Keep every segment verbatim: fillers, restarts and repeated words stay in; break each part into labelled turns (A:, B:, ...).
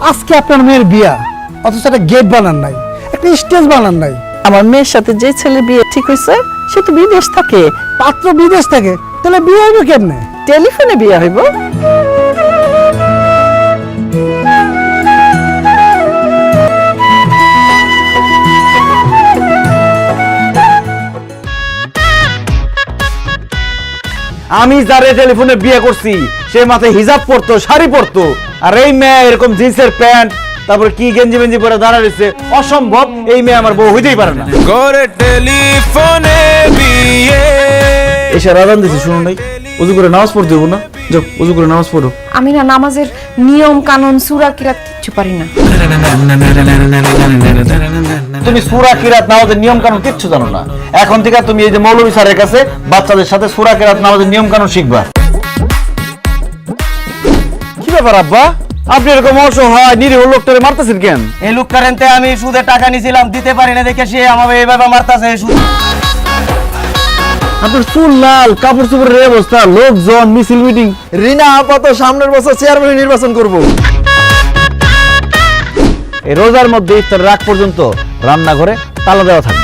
A: আজকে আপনার মেয়ের বিয়া, অথচ একটা গেট বানান নাই, একটা স্টেজ বানান নাই।
B: আমার মেয়ের সাথে যে ছেলে বিয়ে ঠিক হয়েছে সে তো বিদেশ থাকে।
A: পাত্র বিদেশ থাকে, তাহলে বিয়ে হইবে কেমনে?
B: টেলিফোনে বিয়ে হইব।
C: আমি যারে টেলিফোনে বিয়ে করছি সে মাথায় হিজাব পরতো, শাড়ি পরতো, আর এই মেয়ে এরকম জিন্সের প্যান্ট তারপর কি গেঞ্জি মেঞ্জি পরে দাঁড়া রয়েছে, অসম্ভব। এই মেয়ে আমার বউ হইতেই পারে না।
D: করে টেলিফোনে বিয়ে
C: এসে রাজান দিছি, শুনুন নাই, উজু করে নামাজ পড়তে দেবো না? যাও উজু করে নামাজ পড়ো।
E: আমি না নামাজের নিয়ম কানুন সূরা কিরাত কিচ্ছু পারি না।
C: তুমি সূরা কিরাত নামাজের নিয়ম কানুন কিচ্ছু জানো না। এখন থেকে তুমি এই যে মৌলভী স্যারের কাছে বাচ্চাদের সাথে সূরা কিরাত নামাজের নিয়ম কানুন শিখবা। কি ব্যাপার আব্বা, আপনি এরকম অসহায় নিরীহ লোকটারে মারতেছেন কেন?
F: এই লোক কারেন্টে আমি সুদে টাকা নিছিলাম, দিতে পারি না দেখে সে আমাকে এইভাবে মারতাছে।
C: আপনার চুল লাল, কাপড় চোপড়ের অবস্থা, লোকজন, মিছিল মিটিং।
F: রিনা আপাতত সামনের বছর চেয়ারম্যান নির্বাচন করব।
C: এই রোজার মধ্যে ইফতার রাত পর্যন্ত রান্নাঘরে তালা দেওয়া থাকবে।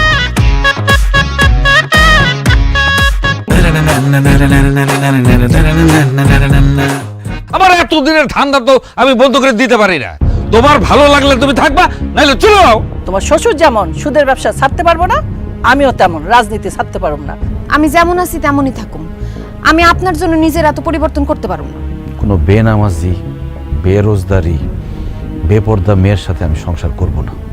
D: আমার এতদিনের ঠান্ডা তো আমি বন্ধ করে দিতে পারি না। তোমার ভালো লাগলে তুমি থাকবা, নাইলে চলে যাও।
B: তোমার শ্বশুর যেমন সুদের ব্যবসা ছাড়তে পারবো না, আমিও তেমন রাজনীতি ছাড়তে পারব না।
E: আমি যেমন আছি তেমনই থাকুম। আমি আপনার জন্য নিজের এত পরিবর্তন করতে পারব না।
C: কোনো বেনামাজি, বেরোজগারি, বেপর্দা মেয়ের সাথে আমি সংসার করব না।